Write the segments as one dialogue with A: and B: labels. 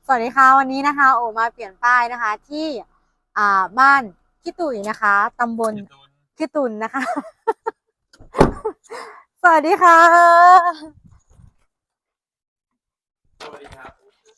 A: สวัสดีค่ะวันนี้นะคะโอมาเปลี่ยนป้ายนะคะที่บ้านขี้ตุ๋ยนะคะตำบลขี้ตุนนะคะ สวัสดีค่ะ
B: สวัสดีครับ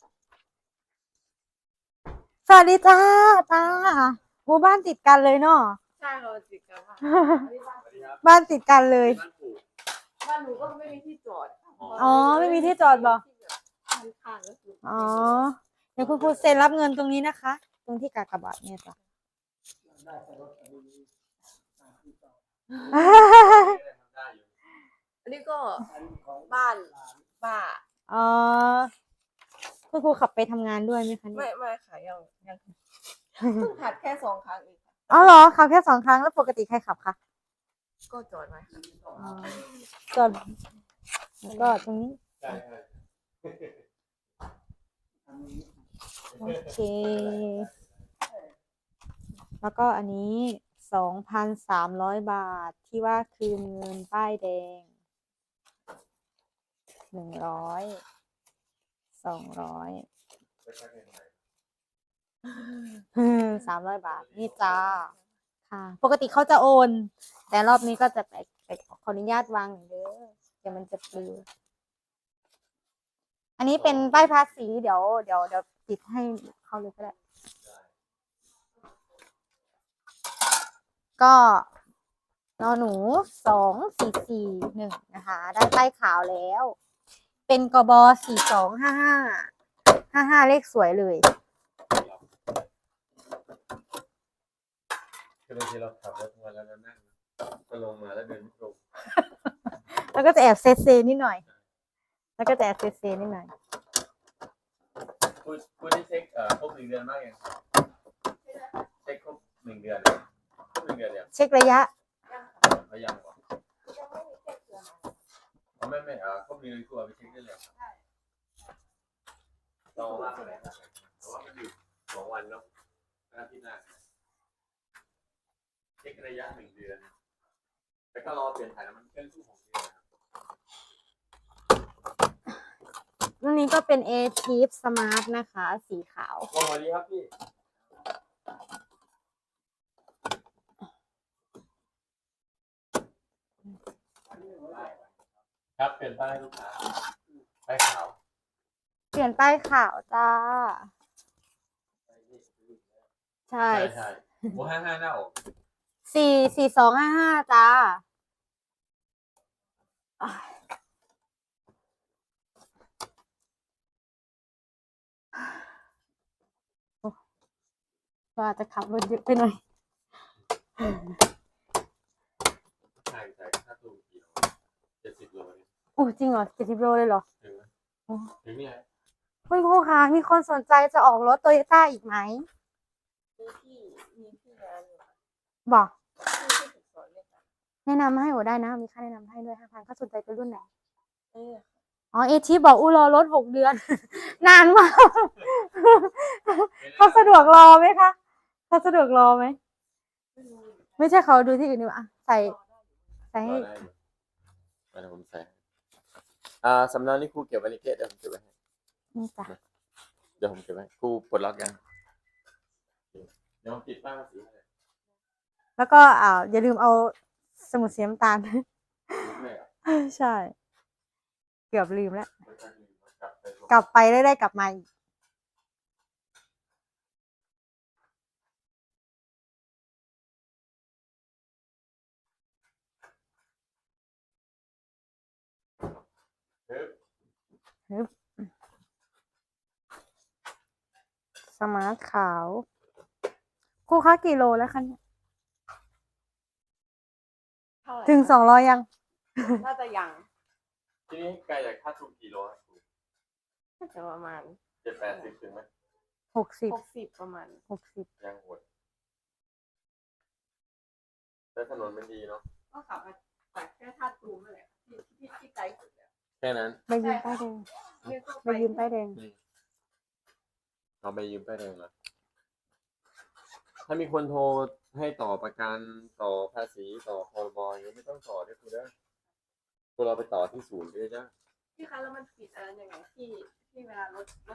A: สวัสดีจ้าตาหมู่บ้านติดกันเลยเนาะ
C: ใช่เราติดกันค่ะ
A: บ้านติดกันเลย
B: บ้านปู่
C: บ้านหนูก็ไม่มีที่จอด
A: อ๋อไม่มีที่จอดบ่
C: ข้างๆก็คือ
A: อ๋อเดี๋ยวคุณครูเซ็นรับเงินตรงนี้นะคะ ตรงที่กากบาทเนี่ยจ้ะ
B: ได้อยู่
C: อันนี้ก็บ้านป้า
A: อ๋อคุณครูขับไปทำงานด้วยไหมคะเนี่ย
C: ไม่ค่ะยังเพิ่งผัดแค่2 ครั้งเองค่ะ
A: อ๋อเหรอขับแค่2 ครั้งแล้วปกติใครขับคะ
C: ก็จอดไว้ค่ะ
A: อ๋อจอดแล้วก็ตรงนี้
B: ใช่ใช่
A: โอเค แล้วก็อันนี้2,300 บาทที่ว่าคืนเงินป้ายแดง100 200 300 บาทนี่จ้าค่ะ ปกติเขาจะโอน แต่รอบนี้ก็จะไปขออนุญาตวางเด้อเดี๋ยวมันจะปลิวอันนี้เป็นป้ายภาษีเดี๋ยวติดให้เขาเลยก็ได้ ก็นอหนู2441นะคะ ได้ป้ายขาวแล้ว เป็นกบ4255เลขสวยเลย
B: คือบางทีเราขับรถมาแล้วเรานั่งก็ลงมาแล้วเดินไม่ตรง
A: แล้วก็จะแอบเซเซนิดหน่อย แล้วก็จะแอบเซเซนิดหน่อย
B: คุณได้เช็คครบ1 เดือนมากยังเช็คครบ1 เดือนครบ1 เดือนยัง
A: เช็คระยะ
B: เขายังบอกเขาไม่ครบ1 เดือนครูเอาไปเช็คได้เลยเราว่าอะไรนะเพราะว่ามันอยู่2 วันเนาะอาทิตย์หน้าเช็คระยะ1 เดือนแล้วก็รอเปลี่ยนถ่ายน้ำมันเครื่องทุก6 เดือน
A: รุ่นนี้ก็เป็น A-Tip Smart นะคะ สีขาว
B: สวัสดีครับพี่ครับเปลี่ยนป้ายให้ลูกค้าป้ายขาว
A: เปลี่ยนป้ายขาวจ้า ใช่
B: ใช่โม55หน้าอก
A: 4255จ้าว่าจะขับรถเยอะไปหน่อย
B: ใช่ค่าตัวกี่โล70 โลเนี่ย
A: โอ้จริงเหรอ70 โลเลยเหรอ
B: ถึงไหม
A: โอ้
B: ถึงเนี่ย
A: คุณครูคะมีคนสนใจจะออกรถโตโยต้าอีกไหม
C: มีที่งานอยู่ค่ะ
A: บอก
C: ที่ฝึกสอนเลยค่ะ
A: แนะนำให้โอได้นะ มีค่าแนะนำให้ด้วย5,000เขาสนใจเป็นรุ่นไหน
C: เออ
A: อ๋อเอทีบอกรอรถ6 เดือน นานมาก เขาสะดวกรอไหมคะเขาสะดวกรอไหม ไม่ใช่เขาดูที่อื่นดีกว่าใส่ให้
B: รอได้อยู่เดี๋ยวผมใส่สำเนานี่ครูเก็บไว้ในเกตเดี๋ยวผมเก็บไว้ให้
A: นี่จ้ะ
B: เดี๋ยวผมเก็บไว้ครูปลดล็อกยังเดี๋ยวผมติดป้ายภาษีให้
A: แล้วก็อย่าลืมเอาสมุดสีน้ำตาล
B: ไม่อะ
A: ใช่ เกือบลืมแล้ว
B: ไม่ต้องลืมกลับไปลง
A: กลับไปได้กลับมาอีก
B: ฮึบ
A: สมาร์ทขาวครูคะกี่โลแล้วคะเนี่ย
C: เท่าไหร่
A: ถึง200ยัง
C: น่าจะยัง
B: ทีนี้ไกลจากค่าทุนกี่โลครับครู
C: น่าจะประมาณ
B: 70-80ถึงไหม
A: 60
C: ประมาณ
A: 60
B: ยังโหดแล้วถนนมันดีเนาะ
C: ก็ขับมาจากแค่ท่าตูมนั่นแหละที่ไกลสุดแล้ว
B: แค่นั้น
A: ไปยืมป้ายแดง
C: เนี่ยก็
A: ไปยืมป้ายแดง
B: เราไปยืมป้ายแดงมาถ้ามีคนโทรให้ต่อประกันต่อภาษีต่อพรบอย่างนี้ไม่ต้องต่อด้วยคุณเด้อพวกเราไปต่อที่ศูนย์ด้วยจ้า
C: พี่คะแล้วมันผิดอะไรยังไงที่เวลารถ